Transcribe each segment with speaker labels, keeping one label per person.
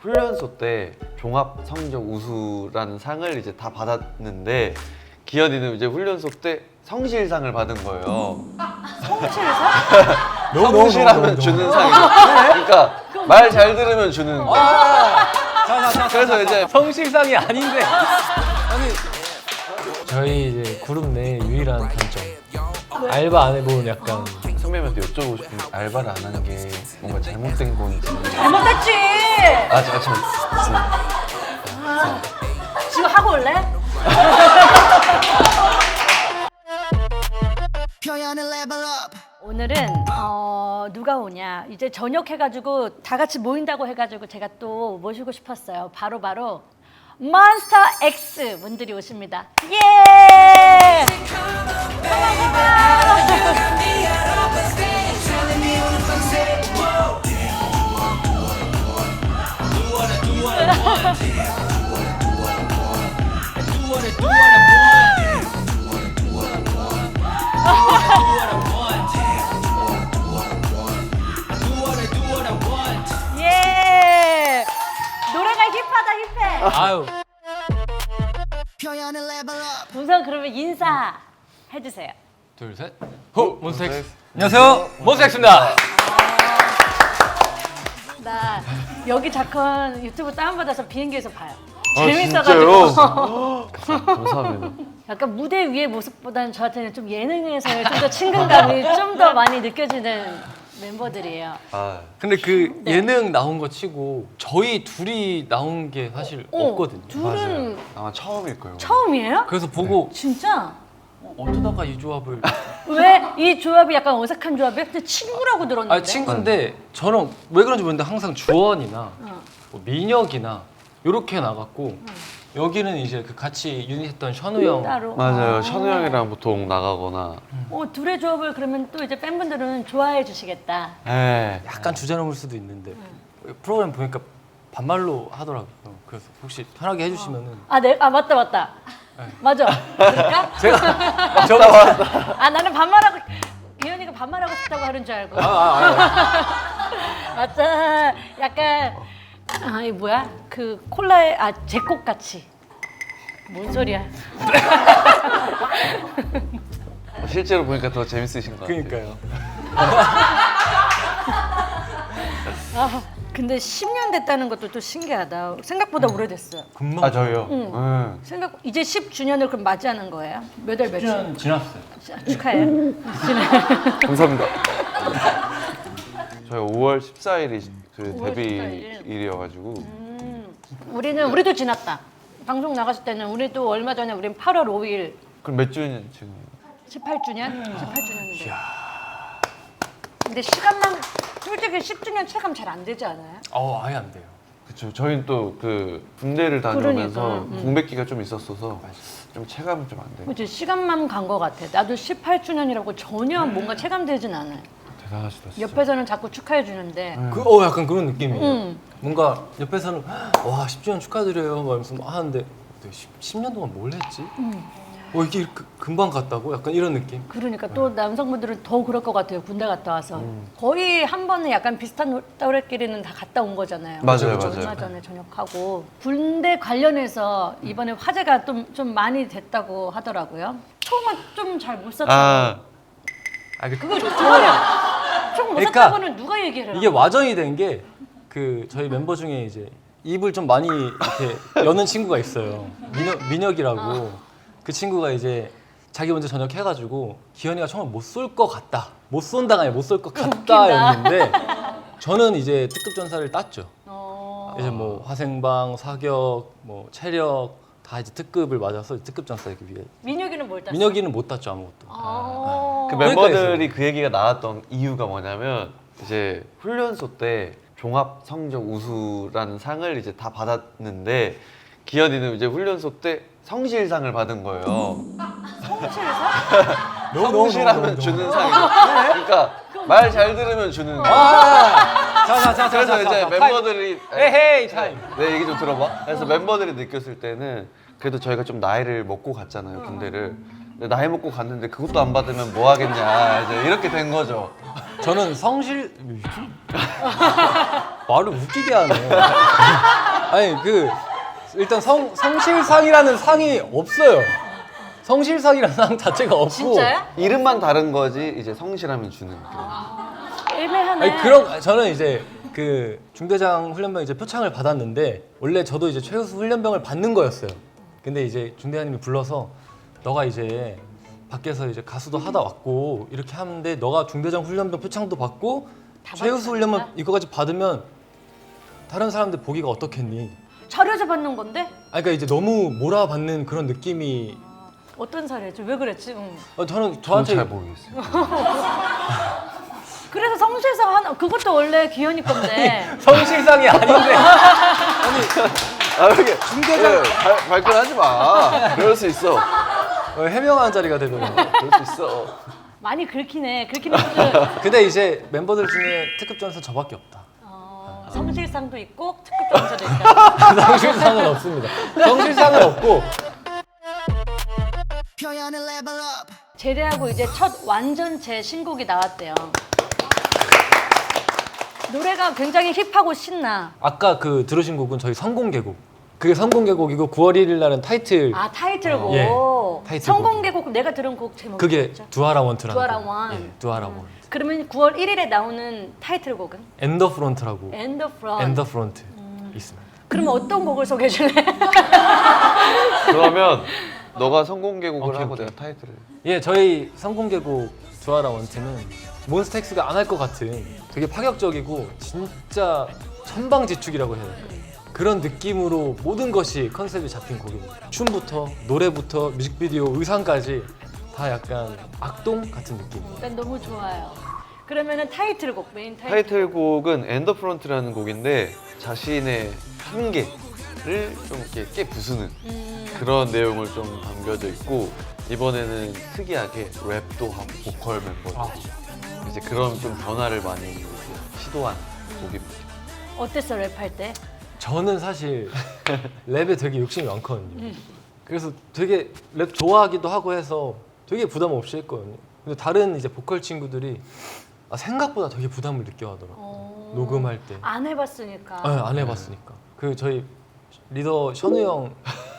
Speaker 1: 훈련소 때 종합 성적 우수라는 상을 이제 다 받았는데 기현이는 이제 훈련소 때 성실상을 받은 거예요.
Speaker 2: 성실상?
Speaker 1: 성실하면 주는 상이죠. 그러니까 말 잘 들으면 주는 거. 그래서 이제
Speaker 3: 성실상이 아닌데. 아니 저희 이제 그룹 내 유일한 단점. 알바 안 해본 약간
Speaker 1: 선배님한테 여쭤보고 싶은 게 알바를 안 하는 게 뭔가 잘못된 건지.
Speaker 2: 잘못했지. 지금 하고 올래? 오늘은 누가 오냐 이제 저녁 해가지고 다 같이 모인다고 해가지고 제가 또 모시고 싶었어요. 바로 몬스터 X 분들이 오십니다. 예! 예! 노래가 힙하다 힙해.
Speaker 3: 아유
Speaker 2: 우선 그러면 인사 해주세요.
Speaker 3: 둘 셋. 호 몬스터엑스. 안녕하세요 몬스터엑스입니다.
Speaker 2: 나 여기 작은 유튜브 다운받아서 비행기에서 봐요.
Speaker 1: 아,
Speaker 2: 재밌어가지고.
Speaker 1: 진짜요? 감사합니다.
Speaker 2: 약간 무대 위의 모습보다는 저한테는 좀 예능에서의 좀 더 친근감이 좀 더 많이 느껴지는 멤버들이에요.
Speaker 1: 아,
Speaker 3: 근데 그
Speaker 2: 네.
Speaker 3: 예능 나온 거 치고 저희 둘이 나온 게 사실 없거든요.
Speaker 2: 둘은
Speaker 1: 맞아요. 아마 처음일 거예요.
Speaker 2: 처음이에요?
Speaker 3: 그래서 보고
Speaker 2: 진짜?
Speaker 3: 어쩌다가 이 조합을
Speaker 2: 왜 이 조합이 약간 어색한 조합이야? 근데 친구라고 들었는데.
Speaker 3: 아 친구인데 저는 왜 그런지 모르겠는데 항상 주원이나 뭐 민혁이나 이렇게 나갔고 여기는 이제 그 같이 유닛했던 션우 형
Speaker 2: 따로.
Speaker 1: 맞아요. 션우 형이랑 보통 나가거나.
Speaker 2: 둘의 조합을 그러면 또 이제 팬분들은 좋아해 주시겠다.
Speaker 1: 에.
Speaker 3: 약간 주제넘을 수도 있는데 프로그램 보니까 반말로 하더라고요. 그래서 혹시 편하게 해주시면은
Speaker 2: 맞다. 맞아. 그럴까?
Speaker 3: 제가
Speaker 2: 나는 반말하고 기현이가 반말하고 싶다고 하는 줄 알고. 맞다. 약간 이 뭐야? 그 콜라에 제콕 같이. 뭔 소리야?
Speaker 1: 실제로 보니까 더 재밌으신 것 같아요.
Speaker 3: 그러니까요.
Speaker 2: 근데 10년 됐다는 것도 또 신기하다. 생각보다 오래됐어요.
Speaker 3: 금방
Speaker 1: 아 저희요?
Speaker 2: 응. 이제 10주년을 그럼 맞이하는 거예요? 몇 월 며칠?
Speaker 3: 10년 지났어요.
Speaker 2: 축하해요.
Speaker 1: 감사합니다. 저희 5월 14일이 그
Speaker 2: 5월 14일.
Speaker 1: 데뷔일이어가지고
Speaker 2: 우리도 지났다. 방송 나갔을 때는 우리도 얼마 전에 우린 8월 5일
Speaker 1: 그럼 몇 주년 지금?
Speaker 2: 18주년? 18주년인데. 근데 시간만 솔직히 10주년 체감 잘 안 되지 않아요?
Speaker 3: 아예 안 돼요.
Speaker 1: 그쵸. 저희는 또 그 군대를 다녀오면서
Speaker 2: 그러니까,
Speaker 1: 공백기가 좀 있었어서 좀 체감이 좀 안 돼요.
Speaker 2: 그치, 시간만 간 것 같아. 나도 18주년이라고 전혀 뭔가 체감되진 않아요.
Speaker 1: 대단하시다 진짜.
Speaker 2: 옆에서는 자꾸 축하해 주는데
Speaker 3: 약간 그런 느낌이에요.
Speaker 2: 응.
Speaker 3: 뭔가 옆에서는 와 10주년 축하드려요 말면서 막 하는데 10년 동안 뭘 했지? 이게 이렇게 금방 갔다고? 약간 이런 느낌?
Speaker 2: 그러니까 또 남성분들은 더 그럴 것 같아요. 군대 갔다 와서 거의 한 번은 약간 비슷한 또래끼리는 다 갔다 온 거잖아요.
Speaker 1: 맞아요,
Speaker 2: 얼마
Speaker 1: 맞아요.
Speaker 2: 전에 전역하고 군대 관련해서 이번에 화제가 좀 많이 됐다고 하더라고요. 총은 좀 잘 못 쐈다고. 그거 좋잖아요. 총 못
Speaker 3: 그러니까
Speaker 2: 쐈다고는 누가 얘기를 해요?
Speaker 3: 이게 와전이 된 게 그 저희 멤버 중에 이제 입을 좀 많이 이렇게 여는 친구가 있어요. 민혁이라고. 그 친구가 이제 자기 먼저 전역해가지고 기현이가 총을 못 쏠 것 같다. 못 쏜다가 아니라 못 쏠 것 같다였는데 저는 이제 특급 전사를 땄죠. 이제 뭐 화생방, 사격, 뭐 체력 다 이제 특급을 맞아서 특급 전사하기 위해.
Speaker 2: 민혁이는 뭘 땄어?
Speaker 3: 민혁이는 못 땄죠 아무것도.
Speaker 2: 아.
Speaker 1: 그 멤버들이 그 얘기가 나왔던 이유가 뭐냐면 이제 훈련소 때 종합 성적 우수라는 상을 이제 다 받았는데 기현이는 이제 훈련소 때 성실상을 받은 거예요.
Speaker 2: 성실상?
Speaker 1: 성실하면 주는 상이죠. 그러니까 말 잘 들으면 주는 거. 그래서 이제 멤버들이
Speaker 3: 에헤이 타임.
Speaker 1: 내 얘기 좀 들어봐. 그래서 멤버들이 느꼈을 때는 그래도 저희가 좀 나이를 먹고 갔잖아요 군대를. 근데 나이 먹고 갔는데 그것도 안 받으면 뭐 하겠냐 이제 이렇게 된 거죠.
Speaker 3: 저는 성실 말을 웃기게 하네. 아니 그 일단 성실상이라는 상이 없어요. 성실상이라는 상 자체가 없고.
Speaker 2: 진짜요?
Speaker 1: 이름만 다른 거지 이제 성실함이 주는
Speaker 2: 애매하네.
Speaker 3: 아니 그런 저는 이제 그 중대장 훈련병 이제 표창을 받았는데 원래 저도 이제 최우수 훈련병을 받는 거였어요. 근데 이제 중대장님이 불러서 너가 이제 밖에서 이제 가수도 하다 왔고 이렇게 하는데 너가 중대장 훈련병 표창도 받고
Speaker 2: 다
Speaker 3: 최우수
Speaker 2: 받지
Speaker 3: 훈련병
Speaker 2: 않나?
Speaker 3: 이거까지 받으면 다른 사람들 보기가 어떻겠니?
Speaker 2: 자료에서 받는 건데?
Speaker 3: 아 그러니까 이제 너무 몰아받는 그런 느낌이
Speaker 2: 어떤 사례지? 왜 그랬지?
Speaker 3: 저는
Speaker 1: 저는
Speaker 3: 저한테
Speaker 1: 잘 모르겠어요.
Speaker 2: 그래서 성실상 하나 그것도 원래 기현이 건데.
Speaker 3: 성실상이 아닌데
Speaker 1: 아 이렇게 중대장 발끈하지 마. 그럴 수 있어.
Speaker 3: 해명하는 자리가 되더라고요.
Speaker 1: 그럴 수 있어.
Speaker 2: 많이 긁히긴 했는데
Speaker 3: 근데 이제 멤버들 중에 특급 전사 저밖에 없다.
Speaker 2: 성실상도 있고 특급 점수도 있다.
Speaker 3: 성실상은 없습니다. 성실상은 없고
Speaker 2: 제대하고 이제 첫 완전체 신곡이 나왔대요. 노래가 굉장히 힙하고 신나.
Speaker 3: 아까 그 들으신 곡은 저희 성공개곡. 그게 성공개곡이고 9월 1일 날은 타이틀
Speaker 2: 아 타이틀곡.
Speaker 3: 예, 타이틀곡.
Speaker 2: 성공개곡 내가 들은 곡 제목이
Speaker 3: 그게
Speaker 2: 뭐였죠?
Speaker 3: 두아라 원트라는
Speaker 2: 두아라
Speaker 3: 곡.
Speaker 2: 원.
Speaker 3: 예, 두아라 원.
Speaker 2: 그러면 9월 1일에 나오는 타이틀곡은?
Speaker 3: 엔더 프론트라고
Speaker 2: 엔더 프런트.
Speaker 3: 엔더 프론트 있습니다.
Speaker 2: 그러면 어떤 곡을 소개해 줄래?
Speaker 1: 그러면 너가 성공개곡을
Speaker 3: 오케이,
Speaker 1: 하고
Speaker 3: 오케이.
Speaker 1: 내가 타이틀을.
Speaker 3: 예, 저희 성공개곡 두아라 원트는 몬스타엑스가 안 할 것 같은 되게 파격적이고 진짜 천방지축이라고 해야 될까요? 그런 느낌으로 모든 것이 컨셉이 잡힌 곡입니다. 춤부터 노래부터 뮤직비디오 의상까지 다 약간 악동 같은 느낌이에요.
Speaker 2: 난 너무 좋아요. 그러면은 타이틀곡 메인 타이틀.
Speaker 1: 타이틀곡은 엔더 프론트라는 곡인데 자신의 한계를 좀 이렇게 깨 부수는 그런 내용을 좀 담겨져 있고 이번에는 특이하게 랩도 하고 보컬 멤버들 이제 그런 좀 변화를 많이 이제 시도한 곡입니다.
Speaker 2: 어땠어 랩할 때?
Speaker 3: 저는 사실 랩에 되게 욕심이 많거든요. 그래서 되게 랩 좋아하기도 하고 해서 되게 부담 없이 했거든요. 근데 다른 이제 보컬 친구들이 생각보다 되게 부담을 느껴하더라고요. 녹음할 때.
Speaker 2: 안 해봤으니까.
Speaker 3: 안 해봤으니까. 그 저희 리더 션우 형이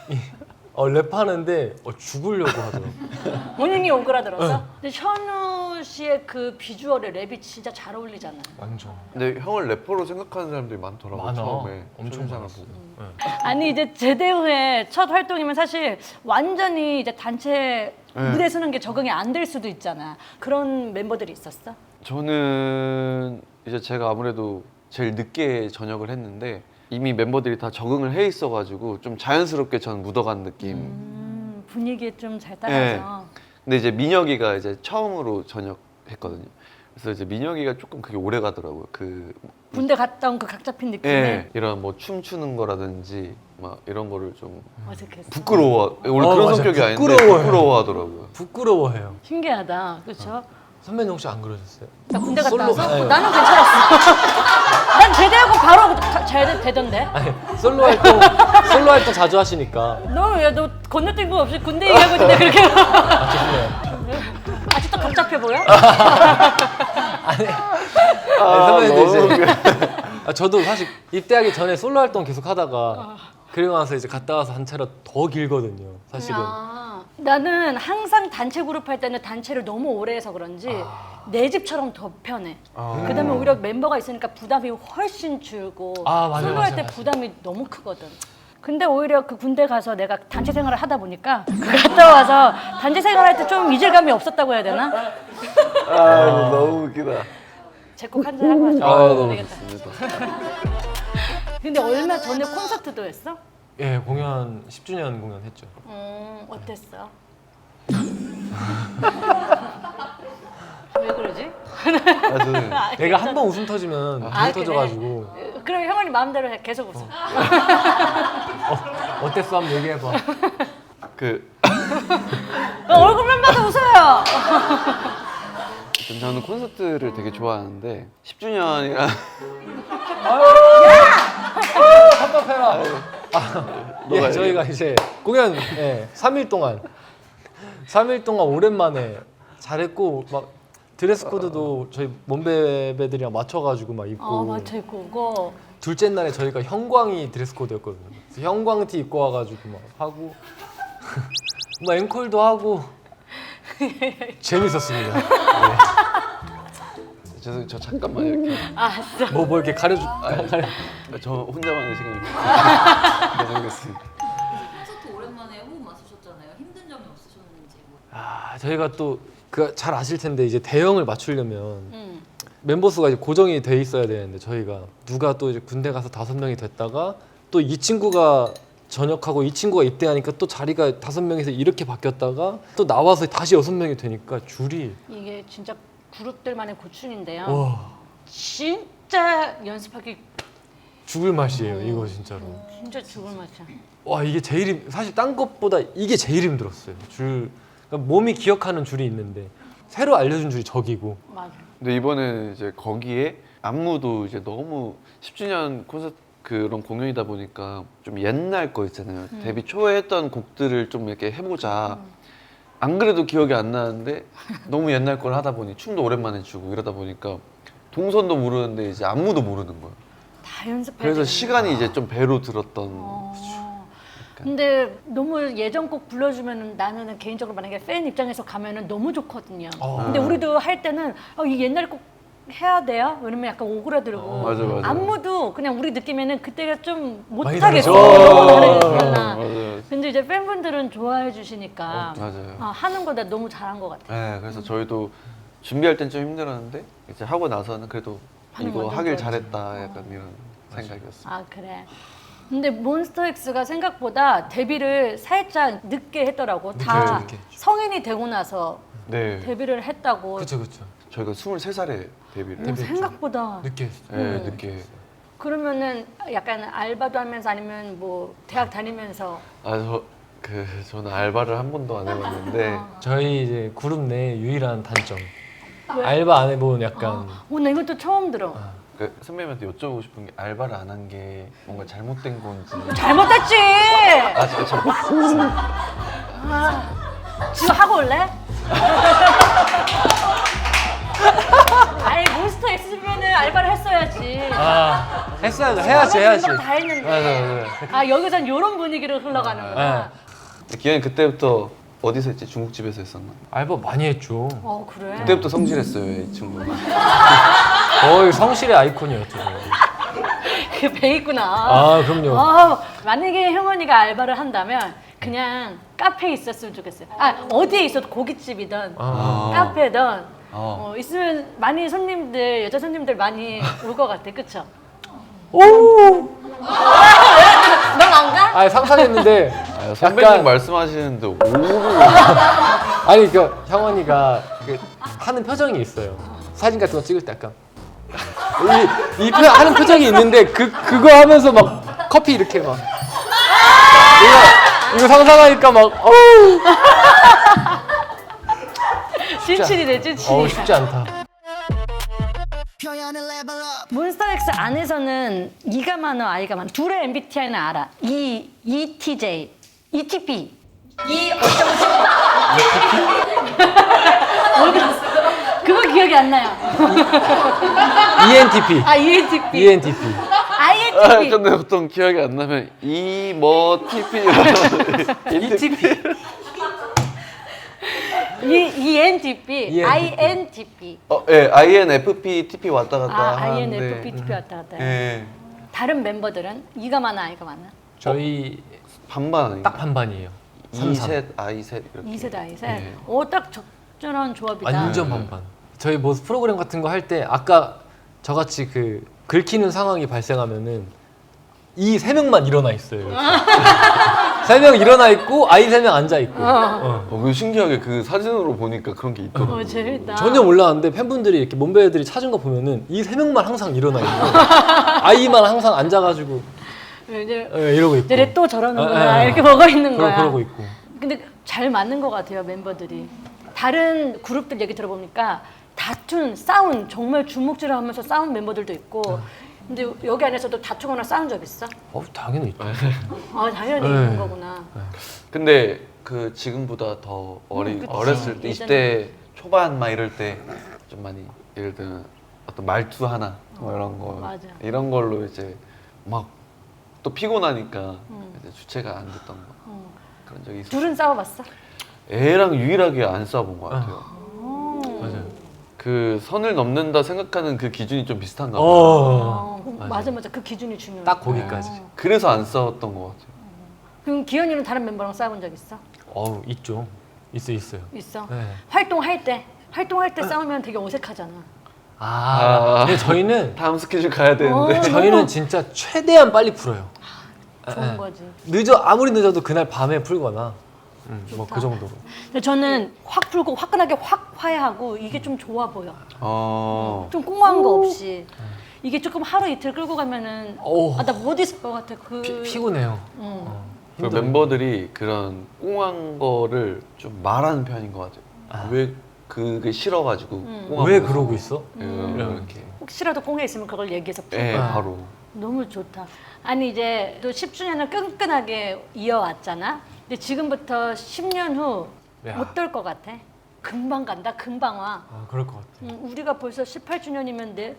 Speaker 3: 랩하는데 죽으려고 하더라고요.
Speaker 2: 본인이 오그라들어서? 근데 현우 씨의 그 비주얼에 랩이 진짜 잘 어울리잖아.
Speaker 3: 완전.
Speaker 1: 근데 형을 래퍼로 생각하는 사람들이 많더라고
Speaker 3: 많아.
Speaker 1: 처음에
Speaker 3: 엄청
Speaker 1: 초대장을
Speaker 3: 많았어.
Speaker 1: 보고.
Speaker 2: 아니 이제 제대 후에 첫 활동이면 사실 완전히 이제 단체 무대 서는 게 적응이 안 될 수도 있잖아. 그런 멤버들이 있었어?
Speaker 1: 저는 이제 제가 아무래도 제일 늦게 전역을 했는데 이미 멤버들이 다 적응을 해 있어가지고 좀 자연스럽게 전 묻어간 느낌.
Speaker 2: 분위기에 좀 잘 따라서.
Speaker 1: 근데 이제 민혁이가 이제 처음으로 전역했거든요. 그래서 이제 민혁이가 조금 그게 오래 가더라고요. 그
Speaker 2: 군대 갔다 온 그 각 잡힌 느낌에
Speaker 1: 예, 이런 뭐 춤추는 거라든지 막 이런 거를 좀
Speaker 2: 어색했어.
Speaker 1: 부끄러워. 원래 그런
Speaker 3: 맞아.
Speaker 1: 성격이 아닌데
Speaker 3: 부끄러워요.
Speaker 1: 부끄러워하더라고요.
Speaker 3: 부끄러워해요.
Speaker 2: 신기하다. 그렇죠?
Speaker 3: 선배님 혹시 안 그러셨어요?
Speaker 2: 나 군대 갔다
Speaker 3: 솔로-
Speaker 2: 와서
Speaker 3: 네.
Speaker 2: 나는 괜찮았어. 난 제대하고 바로 잘 되던데.
Speaker 3: 아니 솔로 활동 자주 하시니까.
Speaker 2: 너 건너뛴 거 없이 군대 얘기하고 있는데 그렇게
Speaker 3: 죄송해요.
Speaker 2: 아직도 각 잡혀 보여?
Speaker 3: 아니 선배님도
Speaker 1: 너무
Speaker 3: 이제 저도 사실 입대하기 전에 솔로 활동 계속 하다가 그리고 나서 이제 갔다 와서 한 차례 더 길거든요. 사실은.
Speaker 2: 나는 항상 단체 그룹 할 때는 단체를 너무 오래 해서 그런지 내 집처럼 더 편해. 그다음에 오히려 멤버가 있으니까 부담이 훨씬 줄고
Speaker 3: 맞아요,
Speaker 2: 솔로 할
Speaker 3: 맞아요,
Speaker 2: 때
Speaker 3: 맞아요.
Speaker 2: 부담이 너무 크거든. 근데 오히려 그 군대 가서 내가 단체 생활을 하다 보니까 갔다 와서 단체 생활할 때 좀 이질감이 없었다고 해야 되나?
Speaker 1: 너무 웃기다.
Speaker 2: 제곡 한잔 하고 하자.
Speaker 1: 너무
Speaker 2: 되겠다.
Speaker 1: 좋습니다.
Speaker 2: 근데 얼마 전에 콘서트도 했어?
Speaker 3: 예, 공연 10주년 공연 했죠.
Speaker 2: 어땠어? 왜 그러지?
Speaker 1: 저는
Speaker 3: 내가 한 번 웃음 터지면
Speaker 2: 아,
Speaker 3: 웃음 터져가지고
Speaker 2: 그럼 형원이 마음대로 해. 계속 웃어.
Speaker 3: 어땠어? 한번 얘기해봐.
Speaker 1: 그
Speaker 2: 얼굴만 봐도 웃어요.
Speaker 1: 저는 콘서트를 되게 좋아하는데 10주년이라
Speaker 3: 답답해라.
Speaker 1: 너가
Speaker 3: 저희가 이제 공연 3일 동안 오랜만에 잘했고 막 드레스 코드도 저희 몸베베들이랑 맞춰가지고 막 입고
Speaker 2: 맞춰 입고 오고.
Speaker 3: 둘째 날에 저희가 형광이 드레스 코드였거든요. 그래서 형광티 입고 와가지고 막 하고 막 앵콜도 하고 재밌었습니다.
Speaker 1: 저 잠깐만 이렇게.
Speaker 2: 알았어.
Speaker 3: 뭐 이렇게 가려주.
Speaker 1: 저 혼자만의 시간을 가져보겠습니다.
Speaker 4: 콘서트 오랜만에 호흡 맞추셨잖아요. 힘든 점이 없으셨는지.
Speaker 3: 저희가 또 그 잘 아실 텐데 이제 대형을 맞추려면 멤버 수가 이제 고정이 돼 있어야 되는데 저희가 누가 또 이제 군대 가서 5명이 됐다가 또 이 친구가 전역하고 이 친구가 입대하니까 또 자리가 5명에서 이렇게 바뀌었다가 또 나와서 다시 6명이 되니까 줄이
Speaker 2: 이게 진짜 그룹들만의 고충인데요.
Speaker 3: 와
Speaker 2: 진짜 연습하기
Speaker 3: 죽을 맛이에요 이거 진짜로.
Speaker 2: 진짜 죽을 맛이야.
Speaker 3: 와 이게 제일 사실 딴 것보다 이게 제일 힘들었어요. 그러니까 몸이 기억하는 줄이 있는데 새로 알려준 줄이 저기고.
Speaker 2: 맞아.
Speaker 1: 근데 이번에는 이제 거기에 안무도 이제 너무 10주년 콘서트 그런 공연이다 보니까 좀 옛날 거 있잖아요. 데뷔 초에 했던 곡들을 좀 이렇게 해보자. 안 그래도 기억이 안 나는데 너무 옛날 걸 하다 보니 춤도 오랜만에 추고 이러다 보니까 동선도 모르는데 이제 안무도 모르는 거예요.
Speaker 2: 다 연습해야
Speaker 1: 그래서
Speaker 2: 되는
Speaker 1: 시간이 이제 좀 배로 들었던.
Speaker 2: 근데 너무 예전 곡 불러주면 나는 개인적으로 만약에 팬 입장에서 가면은 너무 좋거든요. 근데 우리도 할 때는 이 옛날 곡 해야 돼요? 이러면 약간 오그라들고
Speaker 1: 맞아.
Speaker 2: 안무도 그냥 우리 느낌에는 그때가 좀
Speaker 3: 많이
Speaker 2: 못하겠어.
Speaker 3: 다르죠.
Speaker 1: 맞아요.
Speaker 2: 근데 이제 팬분들은 좋아해 주시니까
Speaker 1: 맞아요.
Speaker 2: 하는 거다 너무 잘한 것 같아요.
Speaker 1: 네, 그래서 저희도 준비할 땐 좀 힘들었는데 이제 하고 나서는 그래도
Speaker 2: 하는
Speaker 1: 이거
Speaker 2: 건
Speaker 1: 하길
Speaker 2: 좋아하지.
Speaker 1: 잘했다 약간 이런 생각이었어요.
Speaker 2: 아 그래. 근데 몬스터엑스가 생각보다 데뷔를 살짝 늦게 했더라고. 다
Speaker 3: 늦게.
Speaker 2: 성인이 되고 나서
Speaker 1: 네,
Speaker 2: 데뷔를 했다고.
Speaker 3: 그렇죠.
Speaker 1: 저희가 23살에 데뷔를 했어요.
Speaker 2: 생각보다.
Speaker 3: 늦게 했어요.
Speaker 1: 네, 늦게.
Speaker 2: 그러면은 약간 알바도 하면서 아니면 뭐 대학 다니면서
Speaker 1: 저는 알바를 한 번도 안 해봤는데
Speaker 3: 저희 이제 그룹 내 유일한 단점.
Speaker 2: 왜?
Speaker 3: 알바 안 해본 약간
Speaker 2: 나 이것도 처음 들어.
Speaker 1: 그 선배님한테 여쭤보고 싶은 게 알바를 안 한 게 뭔가 잘못된 건지.
Speaker 2: 잘못했지.
Speaker 1: 진짜
Speaker 2: 지금 하고 올래? 아니 몬스터엑스면은 알바를 했어야지.
Speaker 3: 했어야죠. 해야지.
Speaker 2: 다 했는데.
Speaker 3: 맞아.
Speaker 2: 여기선 이런 분위기로 흘러가는구나.
Speaker 1: 기현이 그때부터 어디서 했지? 중국집에서 했었나?
Speaker 3: 알바 많이 했죠.
Speaker 2: 그래.
Speaker 1: 그때부터 성실했어요, 이 친구가.
Speaker 3: 거의 성실의 아이콘이었죠.
Speaker 2: 그 배 있구나.
Speaker 3: 그럼요.
Speaker 2: 만약에 형원이가 알바를 한다면 그냥 카페에 있었으면 좋겠어요. 어디에 있어도 고깃집이든 카페든 있으면 많이 손님들 여자 손님들 많이 올 것 같아, 그쵸?
Speaker 3: 오!
Speaker 2: 넌 안 가?
Speaker 3: 상상했는데
Speaker 1: 선배님
Speaker 3: 약간
Speaker 1: 말씀하시는데 오로.
Speaker 3: 아니 그 형원이가 하는 표정이 있어요. 사진 같은 거 찍을 때 약간 하는 표정이 있는데 그거 하면서 막 커피 이렇게 막 이거 상상하니까 막
Speaker 2: 찐친이네, 찐친이.
Speaker 3: 쉽지 않다.
Speaker 2: 몬스터엑스 안에서는 이가 많어 아이가 많어. 둘의 MBTI는 알아. ETJ, ETP. 그거 기억이 안 나요.
Speaker 3: ENTP.
Speaker 2: ENTP.
Speaker 3: ENTP.
Speaker 2: INTP.
Speaker 1: 근데 보통 기억이 안 나면 TP.
Speaker 3: ETP.
Speaker 2: ENTP. INTP.
Speaker 1: 예, INFP, TP 왔다 갔다 하는데.
Speaker 2: INFP, TP 왔다 갔다 해요.
Speaker 1: 예,
Speaker 2: 다른 멤버들은 이가 많아 아이가 많아?
Speaker 3: 저희
Speaker 1: 반반 아닌가?
Speaker 3: 딱 반반이에요.
Speaker 1: 2셋, I 셋 이렇게.
Speaker 2: 2세 아이세.
Speaker 1: 네.
Speaker 2: 딱 적절한 조합이다.
Speaker 3: 완전 반반. 저희 뭐 프로그램 같은 거 할 때 아까 저같이 긁히는 상황이 발생하면은 이 3명만 일어나 있어요. 3명 일어나 있고 아이 3명 앉아 있고.
Speaker 1: 그 신기하게 그 사진으로 보니까 그런 게 있더라고요.
Speaker 2: 재밌다.
Speaker 3: 전혀 몰랐는데 팬분들이 이렇게 몸베들이 찾은 거 보면은 이 3명만 항상 일어나 있고 아이만 항상 앉아가지고
Speaker 2: 이제
Speaker 3: 이러고 있고.
Speaker 2: 쟤네 또 저러는구나 이렇게 먹어 있는 거야.
Speaker 3: 그러고 있고.
Speaker 2: 근데 잘 맞는 것 같아요 멤버들이. 다른 그룹들 얘기 들어보니까 다툰, 싸운 정말 주먹질하면서 싸운 멤버들도 있고. 근데 여기 안에서도 다투거나 싸운 적 있어?
Speaker 3: 당연히 있죠.
Speaker 2: 당연히
Speaker 3: 네.
Speaker 2: 있는 거구나.
Speaker 1: 근데 그 지금보다 더
Speaker 2: 그치.
Speaker 1: 어렸을 때
Speaker 2: 예전에.
Speaker 1: 20대 초반 막 이럴 때 좀 많이 예를 들면 어떤 말투 하나 뭐 이런 거
Speaker 2: 맞아.
Speaker 1: 이런 걸로 이제 막 또 피곤하니까 이제 주체가 안 됐던 거 그런 적이 있었어요.
Speaker 2: 둘은 싸워봤어?
Speaker 1: 애랑 유일하게 안 싸워본 것 같아요.
Speaker 3: 맞아요.
Speaker 1: 그 선을 넘는다 생각하는 그 기준이 좀 비슷한가 봐요.
Speaker 2: 맞아. 그 기준이 중요해.
Speaker 3: 딱 거기까지.
Speaker 1: 그래서 안 싸웠던 것 같아요.
Speaker 2: 그럼 기현이는 다른 멤버랑 싸워본 적 있어?
Speaker 3: 있죠. 있어요.
Speaker 2: 있어.
Speaker 3: 네.
Speaker 2: 활동할 때 싸우면 되게 어색하잖아.
Speaker 3: 근데 저희는
Speaker 1: 다음 스케줄 가야 되는데
Speaker 3: 저희는 진짜 최대한 빨리 풀어요.
Speaker 2: 좋은 거지.
Speaker 3: 아무리 늦어도 그날 밤에 풀거나 뭐 그 정도로.
Speaker 2: 근데 저는 확 풀고 화끈하게 확 화해하고 이게 좀 좋아 보여. 좀 꽁한 거 없이. 이게 조금 하루 이틀 끌고 가면은 나 못 있을 것 같아.
Speaker 3: 피곤해요.
Speaker 1: 그 멤버들이 그런 꽁한 거를 좀 말하는 편인 것 같아요. 왜 그게 싫어가지고 꽁한
Speaker 3: 왜
Speaker 1: 거
Speaker 3: 그러고 있어?
Speaker 1: 이렇게
Speaker 2: 혹시라도 꽁해 있으면 그걸 얘기해서 풀고.
Speaker 1: 예 바로
Speaker 2: 너무 좋다. 아니 이제 또 10주년을 끈끈하게 이어왔잖아. 근데 지금부터 10년 후
Speaker 3: 야.
Speaker 2: 어떨 것 같아? 금방 간다. 금방 와.
Speaker 3: 그럴 것 같아.
Speaker 2: 우리가 벌써 18주년이면 내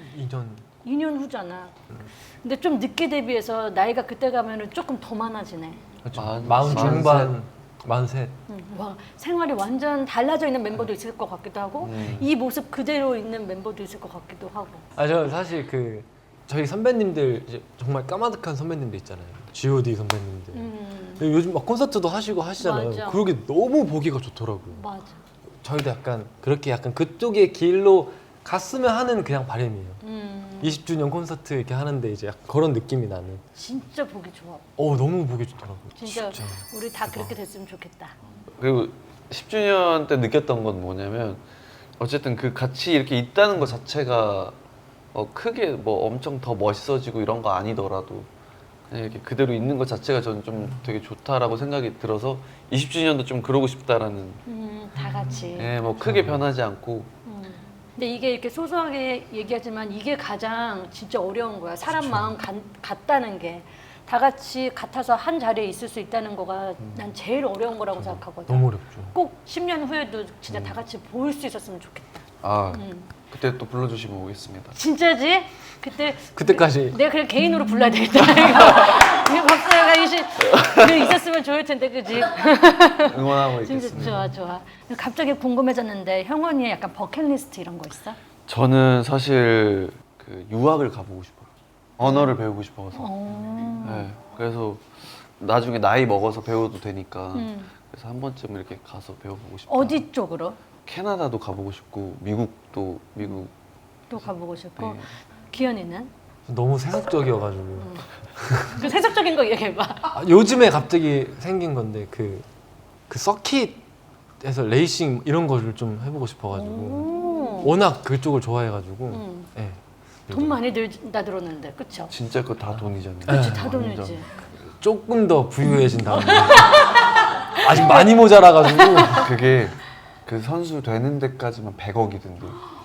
Speaker 3: 2년
Speaker 2: 2년 후잖아. 근데 좀 늦게 데뷔해서 나이가 그때 가면은 조금 더 많아지네.
Speaker 3: 그렇죠. 마흔 중반, 43.
Speaker 2: 와, 생활이 완전 달라져 있는 멤버도 있을 것 같기도 하고 이 모습 그대로 있는 멤버도 있을 것 같기도 하고.
Speaker 3: 저 사실 저희 선배님들 이제 정말 까마득한 선배님들 있잖아요. G.O.D 선배님들. 근데 요즘 막 콘서트도 하시고 하시잖아요.
Speaker 2: 맞아.
Speaker 3: 그러게 너무 보기가 좋더라고요.
Speaker 2: 맞아.
Speaker 3: 저희도 그렇게 그쪽의 길로 갔으면 하는 그냥 바람이에요. 20주년 콘서트 이렇게 하는데 이제 약간 그런 느낌이 나는.
Speaker 2: 진짜 보기 좋아.
Speaker 3: 너무 보기 좋더라고요.
Speaker 2: 진짜 우리 다 그렇게 됐으면 좋겠다.
Speaker 1: 그리고 10주년 때 느꼈던 건 뭐냐면 어쨌든 그 같이 이렇게 있다는 것 자체가 크게 뭐 엄청 더 멋있어지고 이런 거 아니더라도 그냥 이렇게 그대로 있는 것 자체가 저는 좀 되게 좋다라고 생각이 들어서 20주년도 좀 그러고 싶다라는
Speaker 2: 다 같이.
Speaker 1: 뭐 크게 변하지 않고
Speaker 2: 근데 이게 이렇게 소소하게 얘기하지만 이게 가장 진짜 어려운 거야. 사람 마음 같다는 게. 다 같이 같아서 한 자리에 있을 수 있다는 거가 난 제일 어려운 거라고 생각하거든.
Speaker 3: 너무 어렵죠.
Speaker 2: 꼭 10년 후에도 진짜 다 같이 보일 수 있었으면 좋겠다.
Speaker 1: 그때 또 불러주시면 오겠습니다.
Speaker 2: 진짜지?
Speaker 3: 그때까지.
Speaker 2: 내가 그냥 개인으로 불러야 되겠다. 이거 박사가 있었으면 좋을 텐데, 그지?
Speaker 1: 응원하고
Speaker 2: 진짜
Speaker 1: 있겠습니다.
Speaker 2: 좋아. 갑자기 궁금해졌는데 형원이의 약간 버킷리스트 이런 거 있어?
Speaker 1: 저는 사실 그 유학을 가보고 싶어요. 언어를 배우고 싶어서. 네, 그래서 나중에 나이 먹어서 배워도 되니까 그래서 한 번쯤 이렇게 가서 배워보고 싶어요.
Speaker 2: 어디 쪽으로?
Speaker 1: 캐나다도 가보고 싶고 미국
Speaker 2: 또 가보고 싶고.
Speaker 1: 네.
Speaker 2: 기현이는?
Speaker 3: 너무 세속적이어가지고.
Speaker 2: 그 세속적인 거 얘기해봐.
Speaker 3: 요즘에 갑자기 생긴 건데 그 서킷에서 레이싱 이런 거를 좀 해보고 싶어가지고 워낙 그쪽을 좋아해가지고 네.
Speaker 2: 돈 많이 들다 들었는데, 그쵸?
Speaker 1: 진짜 그거 다 돈이잖아요.
Speaker 2: 그치, 다
Speaker 1: 완전.
Speaker 2: 돈이지.
Speaker 3: 조금 더 부유해진 다음에 아직 많이 모자라가지고
Speaker 1: 그게 그 선수 되는 데까지만 100억이던데.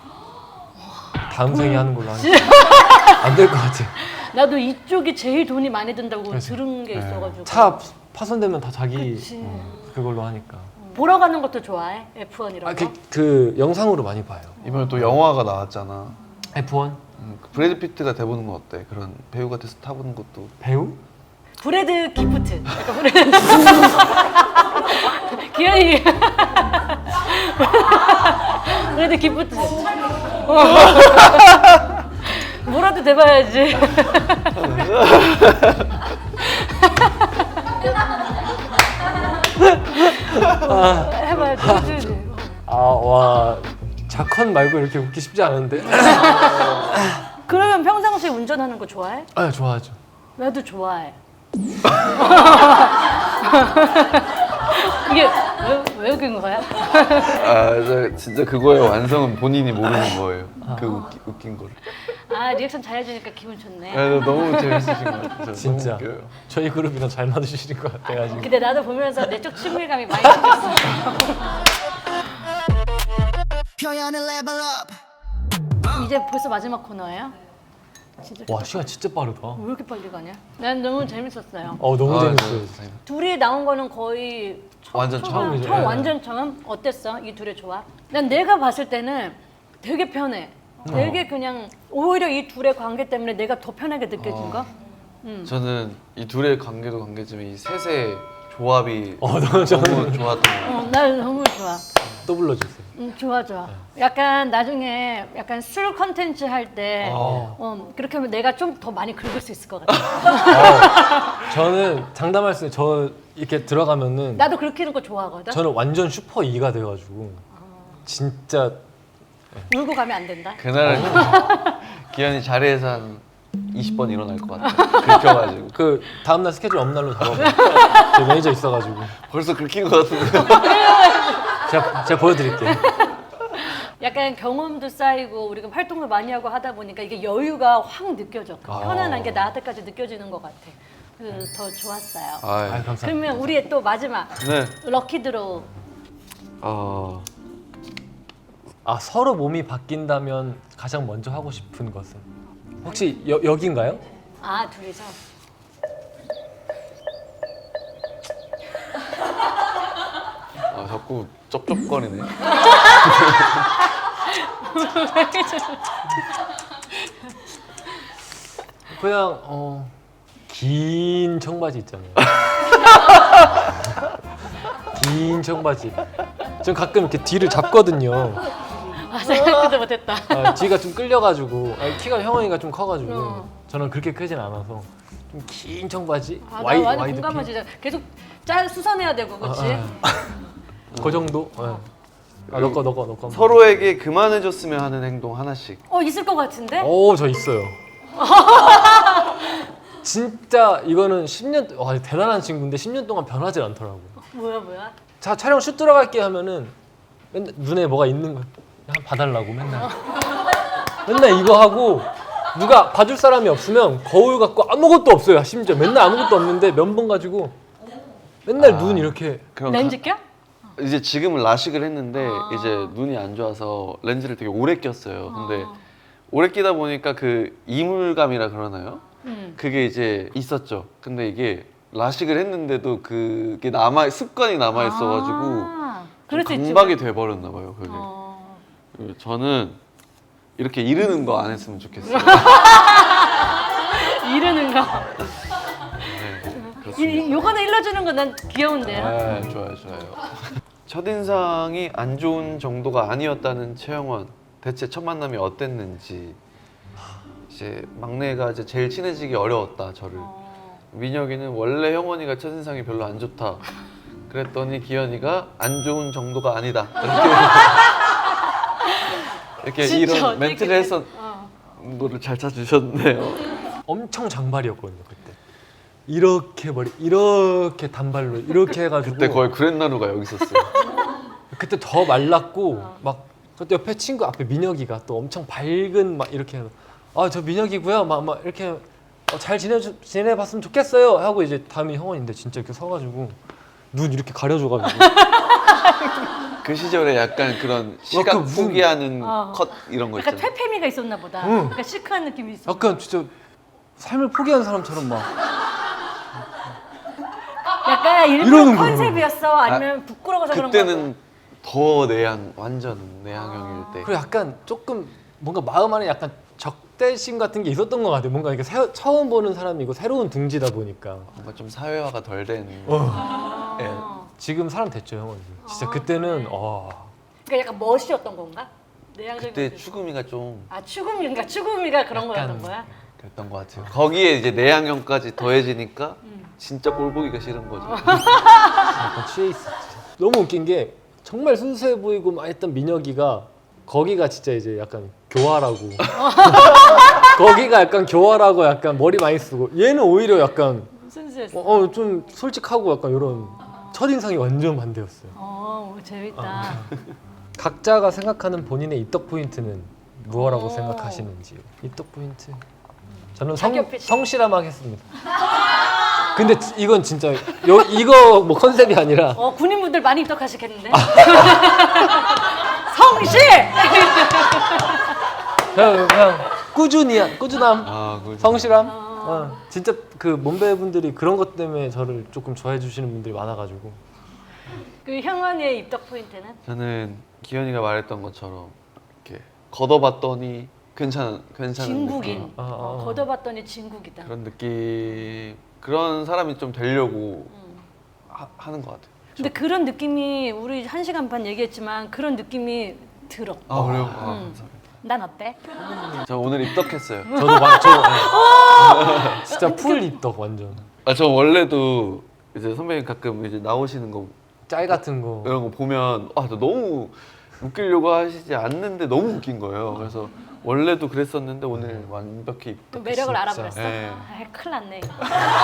Speaker 3: 다음 생에 하는 걸로 하니까 안 될 것 같아.
Speaker 2: 나도 이쪽이 제일 돈이 많이 든다고
Speaker 3: 그래서.
Speaker 2: 들은 게 있어가지고.
Speaker 3: 차 파손되면 다 자기
Speaker 2: 그치.
Speaker 3: 그걸로 하니까.
Speaker 2: 보러 가는 것도 좋아해? F1 이런 거?
Speaker 3: 그 영상으로 많이 봐요.
Speaker 1: 이번에 또 영화가 나왔잖아.
Speaker 3: F1
Speaker 1: 그 브래드 피트가 돼보는 건 어때? 그런 배우가 돼서 타보는 것도.
Speaker 3: 배우?
Speaker 2: 브래드 기프트. 약간 브래드. 기현이. 브래드 기프트. 뭐라도 돼봐야지. 해봐야지.
Speaker 3: 와 자컨 말고 이렇게 웃기 쉽지 않은데.
Speaker 2: 그러면 평상시에 운전하는 거 좋아해?
Speaker 3: 좋아하죠.
Speaker 2: 나도 좋아해. 이게 왜 웃긴 거야?
Speaker 1: 진짜 그거의 완성은 본인이 모르는 거예요. 그 웃긴 거를.
Speaker 2: 리액션 잘해주니까 기분 좋네.
Speaker 1: 너무 재밌으신 것 같아요.
Speaker 3: 진짜
Speaker 1: 너무 웃겨요.
Speaker 3: 저희 그룹이랑 잘 맞으시는 것 같아가지고.
Speaker 2: 근데 나도 보면서 내적 친밀감이 많이 생겼어.
Speaker 5: 표현을 level up.
Speaker 2: 이제 벌써 마지막 코너예요? 진짜
Speaker 3: 와 시간 진짜 빠르다.
Speaker 2: 왜 이렇게 빨리 가냐? 난 너무 재밌었어요.
Speaker 3: 너무 재밌어요.
Speaker 2: 둘이 나온 거는 거의
Speaker 1: 완전 처음이죠.
Speaker 2: 완전 처음? 어땠어? 이 둘의 조합? 난 내가 봤을 때는 되게 편해. 되게 그냥 오히려 이 둘의 관계 때문에 내가 더 편하게 느껴진 거.
Speaker 1: 저는 이 둘의 관계도 관계지만 이 셋의 조합이
Speaker 3: 너무
Speaker 1: 너무 좋았던 것 같아요.
Speaker 2: 나 너무 좋아.
Speaker 3: 또 불러주세요.
Speaker 2: 좋아 좋아. 약간 나중에 약간 술 컨텐츠 할 때 그렇게 하면 내가 좀 더 많이 긁을 수 있을 것 같아.
Speaker 3: 저는 장담할 수 있어요. 저 이렇게 들어가면은
Speaker 2: 나도 그렇게 하는 거 좋아하거든.
Speaker 3: 저는 완전 슈퍼 2가 돼가지고 진짜
Speaker 2: 울고 가면 안 된다.
Speaker 1: 그날은 기현이 자리에서 한 20번 일어날 것 같아. 긁혀가지고.
Speaker 3: 그 다음날 스케줄 업날로 잡아봐요. 제 매니저 있어가지고
Speaker 1: 벌써 긁힌 것 같은데.
Speaker 3: 제가 보여드릴게요.
Speaker 2: 약간 경험도 쌓이고 우리가 활동도 많이 하고 하다 보니까 이게 여유가 확 느껴져. 그 편안한 게 나한테까지 느껴지는 것 같아. 그래서 더 좋았어요.
Speaker 3: 아유,
Speaker 1: 아,
Speaker 3: 감사합니다.
Speaker 2: 그러면 우리의 또 마지막
Speaker 1: 네.
Speaker 2: 럭키 드로우.
Speaker 3: 서로 몸이 바뀐다면 가장 먼저 하고 싶은 것은 혹시 여기인가요?
Speaker 2: 아 둘이서.
Speaker 1: 자꾸 쩝쩝거리네.
Speaker 3: 그냥 긴 청바지 있잖아요. 긴 청바지. 전 가끔 이렇게 뒤를 잡거든요.
Speaker 2: 생각도 못했다.
Speaker 3: 뒤가 좀 끌려가지고 키가 형원이가 좀 커가지고
Speaker 2: 어.
Speaker 3: 저는 그렇게 크진 않아서 좀 긴 청바지.
Speaker 2: 나 완전 공감하지. 계속 수선해야 되고 그렇지.
Speaker 3: 그 정도. 너거
Speaker 1: 서로에게 그만해줬으면 하는 행동 하나씩.
Speaker 2: 있을 것 같은데?
Speaker 3: 저 있어요. 진짜 이거는 10년 대단한 친구인데 10년 동안 변하지 않더라고.
Speaker 2: 뭐야?
Speaker 3: 자 촬영 슛 들어갈게 하면은 맨날 눈에 뭐가 있는 거 그냥 봐달라고 맨날 이거 하고 누가 봐줄 사람이 없으면 거울 갖고 아무것도 없어요. 심지어 맨날 아무것도 없는데 면봉 가지고 맨날 눈 이렇게
Speaker 1: 그럼
Speaker 2: 렌즈 껴?
Speaker 1: 이제 지금은 라식을 했는데 이제 눈이 안 좋아서 렌즈를 되게 오래 꼈어요. 근데 오래 끼다 보니까 그 이물감이라 그러나요? 그게 이제 있었죠. 근데 이게 라식을 했는데도 그게 습관이 남아 있어가지고
Speaker 2: 그럴 수 있지.
Speaker 1: 강박이 돼버렸나 봐요. 그게. 그리고 저는 이렇게 이르는 거 안 했으면 좋겠어요.
Speaker 2: 이러는 거.
Speaker 1: 네, 그렇습니다.
Speaker 2: 요거는 일러주는 거 난 귀여운데요.
Speaker 1: 네, 좋아요. 첫인상이 안 좋은 정도가 아니었다는 최영원. 대체 첫 만남이 어땠는지. 이제 막내가 이제 제일 친해지기 어려웠다 저를. 민혁이는 원래 형원이가 첫인상이 별로 안 좋다. 그랬더니 기현이가 안 좋은 정도가 아니다. 이렇게
Speaker 2: 진짜
Speaker 1: 이런
Speaker 2: 어떻게
Speaker 1: 멘트를 해서 거를 잘 찾으셨네요.
Speaker 3: 엄청 장발이었거든요 그때. 이렇게 머리 이렇게 단발로 이렇게 해가지고
Speaker 1: 그때 거의 그랜나루가 여기 있었어요.
Speaker 3: 그때 더 말랐고 막 그때 옆에 친구 앞에 민혁이가 또 엄청 밝은 막 이렇게 저 민혁이고요 막 이렇게 잘 지내봤으면 좋겠어요 하고 이제 다음이 형원인데 진짜 이렇게 서가지고 눈 이렇게 가려줘가지고
Speaker 1: 그 시절에 약간 그런 시각
Speaker 3: 약간 무슨-
Speaker 1: 포기하는 컷 이런 거
Speaker 2: 약간
Speaker 1: 있잖아요.
Speaker 2: 퇴폐미가 있었나 보다.
Speaker 3: 응.
Speaker 2: 약간 시크한 느낌이 있어.
Speaker 3: 약간 진짜 삶을 포기한 사람처럼 막
Speaker 2: 약간 일본
Speaker 3: 이러는 거예요.
Speaker 2: 컨셉이었어? 아니면 부끄러워서 그런 거?
Speaker 1: 그때는 더 완전 내향형일 때.
Speaker 3: 그리고 약간 조금 뭔가 마음 안에 약간 적대심 같은 게 있었던 것 같아요. 뭔가 이렇게 처음 보는 사람이고 새로운 둥지다 보니까
Speaker 1: 뭔가 좀 사회화가 덜 된. 예.
Speaker 3: 지금 사람 됐죠 형은. 진짜 그때는
Speaker 2: 그러니까 약간 멋이었던 건가? 내향적인
Speaker 1: 그때
Speaker 2: 모습.
Speaker 1: 추구미가 좀
Speaker 2: 추구미가 그런
Speaker 3: 약간
Speaker 2: 거였던 거야?
Speaker 1: 그랬던 것 같아요. 거기에 이제 내향형까지 더해지니까 진짜 꼴 보기가 싫은 거죠.
Speaker 3: 약간 취해 있었지. 너무 웃긴 게 정말 순수해 보이고 막 했던 민혁이가 거기가 진짜 이제 약간 교활하고 거기가 약간 교활하고 약간 머리 많이 쓰고 얘는 오히려 약간
Speaker 2: 순수했어.
Speaker 3: 좀 솔직하고 약간 이런 첫인상이 완전 반대였어요.
Speaker 2: 재밌다.
Speaker 3: 각자가 생각하는 본인의 입덕 포인트는 무엇라고 생각하시는지요? 입덕 포인트. 저는
Speaker 2: 자기 어필.
Speaker 3: 성실함하겠습니다. 근데 이건 진짜 이거 뭐 컨셉이 아니라
Speaker 2: 군인분들 많이 입덕하시겠는데? 성실!
Speaker 3: 그냥 꾸준함,
Speaker 1: 그죠.
Speaker 3: 성실함. 진짜 그 몸배분들이 그런 것 때문에 저를 조금 좋아해 주시는 분들이 많아가지고.
Speaker 2: 그 형원이의 입덕 포인트는?
Speaker 1: 저는 기현이가 말했던 것처럼 이렇게 걷어봤더니 괜찮은
Speaker 2: 진국인.
Speaker 1: 느낌.
Speaker 2: 걷어봤더니 진국이다.
Speaker 1: 그런 느낌. 그런 사람이 좀 되려고 하는 것 같아요.
Speaker 2: 근데 그런 느낌이 우리 1시간 반 얘기했지만 그런 느낌이 들어.
Speaker 1: 아 그래요? 감사합니다.
Speaker 2: 난 어때?
Speaker 1: 저 오늘 입덕했어요.
Speaker 3: 진짜 풀 입덕 완전.
Speaker 1: 저 원래도 이제 선배님 가끔 이제 나오시는 거
Speaker 3: 짤 같은 거.
Speaker 1: 이런 거 보면 저 너무 웃기려고 하시지 않는데 너무 웃긴 거예요. 그래서 원래도 그랬었는데 오늘 완벽히
Speaker 2: 또
Speaker 1: 입덕.
Speaker 2: 매력을
Speaker 3: 진짜.
Speaker 2: 알아버렸어?
Speaker 1: 네.
Speaker 2: 아, 큰일 났네. 이거.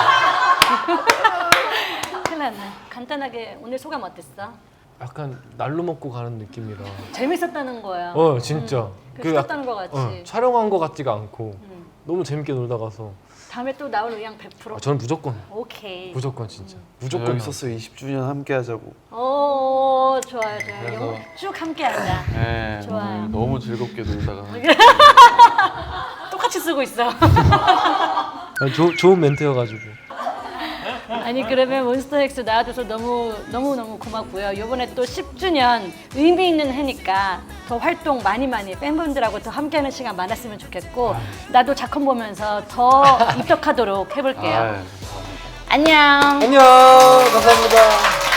Speaker 2: 큰일 났네. 간단하게 오늘 소감 어땠어?
Speaker 3: 약간 날로 먹고 가는 느낌이라.
Speaker 2: 재밌었다는 거야.
Speaker 3: 진짜.
Speaker 2: 쉬었다는 거 같이.
Speaker 3: 촬영한 거 같지가 않고 너무 재밌게 놀다 가서.
Speaker 2: 다음에 또 나올 의향 100%?
Speaker 3: 저는 무조건.
Speaker 2: 오케이.
Speaker 3: 무조건 진짜.
Speaker 1: 무조건
Speaker 3: 무조건
Speaker 1: 있었어요. 20주년 함께 하자고.
Speaker 2: 오, 좋아요.
Speaker 1: 그래서-
Speaker 2: 영쭉 함께 하자.
Speaker 1: 네,
Speaker 2: 좋아요.
Speaker 1: 오늘 너무 즐겁게 놀다가
Speaker 2: 똑같이 쓰고 있어.
Speaker 3: 좋은 멘트여가지고.
Speaker 2: 아니 그러면 몬스터엑스 나와줘서 너무 고맙고요. 이번에 또 10주년 의미 있는 해니까 더 활동 많이 팬분들하고 더 함께하는 시간 많았으면 좋겠고 나도 작품 보면서 더 입덕하도록 해볼게요.
Speaker 1: 감사합니다.
Speaker 2: 안녕.
Speaker 3: 안녕. 감사합니다.